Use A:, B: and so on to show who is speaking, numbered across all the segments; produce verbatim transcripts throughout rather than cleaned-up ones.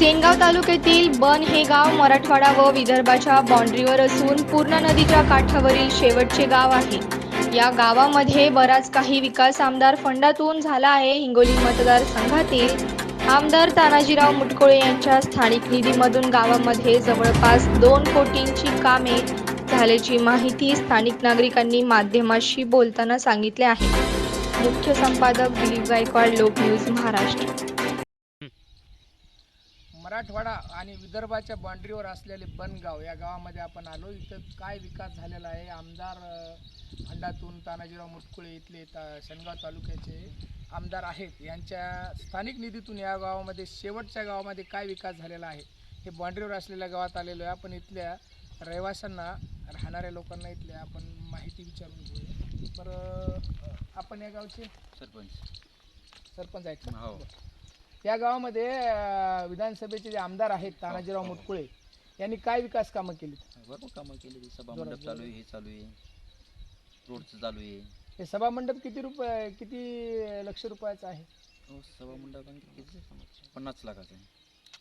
A: सेनगाव तालुक्यातील बन हे गाव मराठवाडा व विदर्भाच्या बाँड्रीवर असून पूर्णा नदीच्या काठावरील शेवटचे गाव आहे। या गावामध्ये बराच काही विकास आमदार फंडातून झाला आहे। हिंगोली मतदारसंघातील आमदार तानाजीराव मुटकुळे यांच्या स्थानिक निधीमधून गावामध्ये जवळपास दोन कोटींची कामे झाल्याची माहिती स्थानिक नागरिकांनी माध्यमांशी बोलताना सांगितले आहे। मुख्य संपादक दिलीप गायकवाड, लोक न्यूज महाराष्ट्र।
B: मराठवाडा आणि विदर्भाच्या बाँड्रीवर असलेले बनगाव या गावामध्ये आपण आलो। इथं काय विकास झालेला आहे, आमदार फंडातून तानाजीराव मुटकुळे इथले ता सेनगाव तालुक्याचे आमदार आहेत, यांच्या स्थानिक निधीतून या गावामध्ये शेवटच्या गावामध्ये काय विकास झालेला आहे हे बाँड्रीवर असलेल्या गावात आलेलो आहे। आपण इथल्या रहिवाशांना, राहणाऱ्या लोकांना इथल्या आपण माहिती विचारून घेऊया। बरं, आपण या गावचे
C: सरपंच
B: सरपंच आहेत का?
C: हो।
B: या गावामध्ये विधानसभेचे जे आमदार आहेत तानाजीराव मुटकुळे यांनी काय विकास कामं केली?
C: भरपूर कामं केली। सभा मंडप चालू आहे, हे चालू आहे, रोडचं चालू आहे।
B: हे सभा मंडप किती रुपये किती लक्ष रुपयाचं आहे?
C: हो, सभा मंडप किती पन्नास लाखाचं आहे।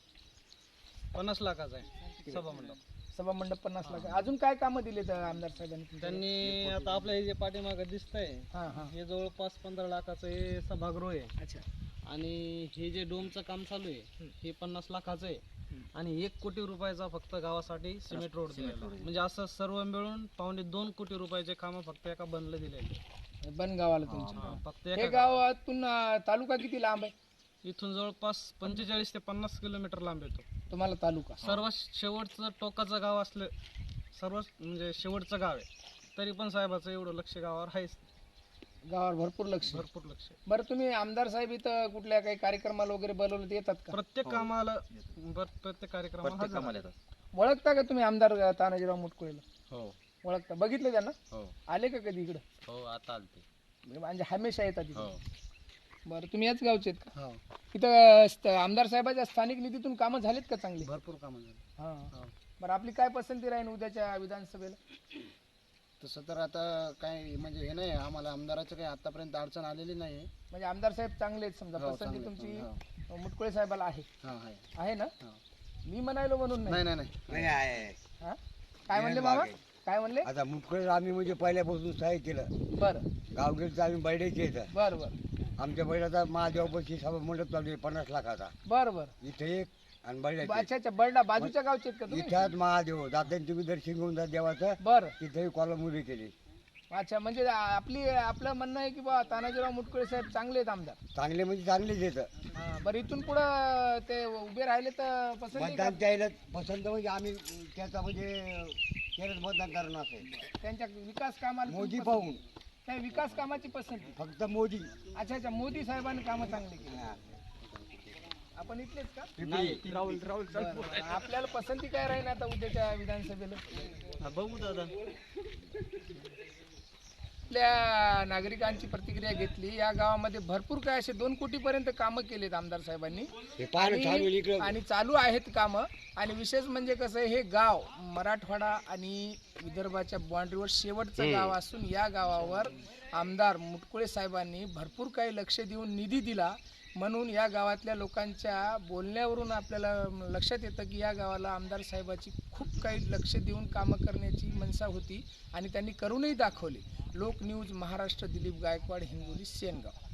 D: पन्नास लाखाचा आहे सभा मंडप।
B: सभा मंडप पन्नास लाख। अजून काय कामं दिले तर आमदार साहेबांनी?
D: त्यांनी आता आपलं हे जे पाठीमागं दिसतंय
B: हां हां
D: हे जवळपास पंधरा लाखाचं हे सभागृह आहे।
B: अच्छा।
D: आणि हे जे डोमचं काम चालू आहे हे पन्नास लाखाचं आहे। आणि एक कोटी रुपयाचा फक्त गावासाठी सिमेंट रोड दिलेला आहे। म्हणजे असं सर्व मिळून पावणे दोन कोटी रुपयाचे काम फक्त एका बनला दिलेले
B: बन गावाला तुमच्या?
D: फक्त
B: हे
D: एका
B: गावातून तालुका किती लांब आहे?
D: इथून जवळपास पंचेचाळीस ते पन्नास किलोमीटर लांब येतो
B: तुम्हाला तालुका।
D: सर्व शेवटचं टोकाचं गाव असलं, सर्व म्हणजे शेवटचं गाव आहे तरी पण साहेबाचं एवढं लक्ष गावावर आहेच,
B: गावावर भरपूर लक्ष
D: भरपूर लक्ष।
B: बरं, तुम्ही आमदार साहेब इथं कुठल्या काही कार्यक्रमाला वगैरे बोलवलं तर येतात का?
D: प्रत्येक कामाला प्रत्येक कार्यक्रमाला
C: प्रत्येक
D: हजर
C: कामाला
D: आहे.
C: येतात।
B: ओळखता का तुम्ही आमदार तानाजीराव मुटकुळेला?
D: हो
B: ओळखता? बघितलं त्यांना?
D: हो
B: आले का कधी इकडं?
D: हो, आता आलते।
B: म्हणजे हमेशा येतात इथं?
D: हो
B: बरं, तुम्ही याच गावचे आहेत का?
D: हो,
B: इथं स्त- आमदार साहेबाच्या स्थानिक निधीतून कामं झालीत का चांगली?
D: भरपूर कामं झाली।
B: हां।
D: हो.
B: बरं, आपली काय पसंती राहील उद्याच्या विधानसभेला?
E: तसं तर आता काय म्हणजे हे नाही, आम्हाला आमदाराचं काही आतापर्यंत अडचण आलेली नाही।
B: म्हणजे आमदार साहेब चांगले आहेत समजा,
E: हो,
B: पसंती
E: चांगले,
B: तुमची मुटकुळे साहेबाला आहे?
E: हां आहे
B: आहे ना?
E: हां।
B: मी म्हणायलो म्हणून
E: नाही
B: नाही।
E: नाही
F: नाही आहे.
B: हां? काय म्हणले मामा? काय म्हणले?
F: आता मुटकुळे आम्ही म्हणजे पहिल्यापासून सहाय्य केलं।
B: बरं
F: गावगिरीचं आम्ही बैठे येतं,
B: बरं बरं
F: आमच्या बैलाचा महादेवापाशी सभा मंडप चालू आहे पन्नास लाखाचा।
B: बरं बरं
F: इथे एक आणि बैला
B: अच्छा अच्छा, बरडा बाजूच्या गावचे आहेत का तुम्ही?
F: इथ्याच महादेव जाते तुम्ही दर्शन घेऊन जा देवाचं,
B: बरं।
F: तिथेही कॉलम उभी केली।
B: अच्छा, म्हणजे आपली आपलं म्हणणं आहे की बा तानाजीराव मुटकुळे साहेब चांगले आहेत आमदार?
F: चांगले म्हणजे चांगलेच येतं।
B: हां, बरं, इथून पुढं ते उभे राहिले तर पसंती का?
F: मतदान द्यायला पसंत म्हणजे आम्ही त्याचा म्हणजे केलंच मतदान करणार असेल
B: त्यांच्या विकास कामाला
F: मोदी
B: तुम्ही
F: पाहून,
B: पसंती- त्या विकास कामाची पसंती?
F: फक्त मोदी।
B: अच्छा अच्छा, मोदी साहेबांनी कामं चांगली केली। आपण इथलेच का?
D: राहुल राहुल
B: बरं, बरं. आपल्याला पसंती काय राहील आता उद्याच्या विधानसभेला?
D: बघू दादा।
B: आपल्या नागरिकांची प्रतिक्रिया घेतली। या गावामध्ये भरपूर काय असे दोन कोटी पर्यंत कामं केलेत आमदार साहेबांनी
F: हे पाहणं चालू आहे
B: आणि
F: इकडं।
B: आणि चालू आहेत कामं। आणि विशेष म्हणजे कसं आहे, हे गाव मराठवाडा आणि विदर्भाच्या बाँड्रीवर शेवटचं गाव असून या गावावर आमदार मुटकुळे साहेबांनी भरपूर काही लक्ष देऊन निधी दिला। म्हणून या गावातल्या लोकांच्या बोलण्यावरून आपल्याला लक्षात येतं की या गावाला आमदार साहेबाची खूप काही लक्ष देऊन कामं करण्याची मनसा होती आणि त्यांनी करूनही दाखवली। लोक न्यूज महाराष्ट्र, दिलीप गायकवाड, हिंगोली, सेनगाव।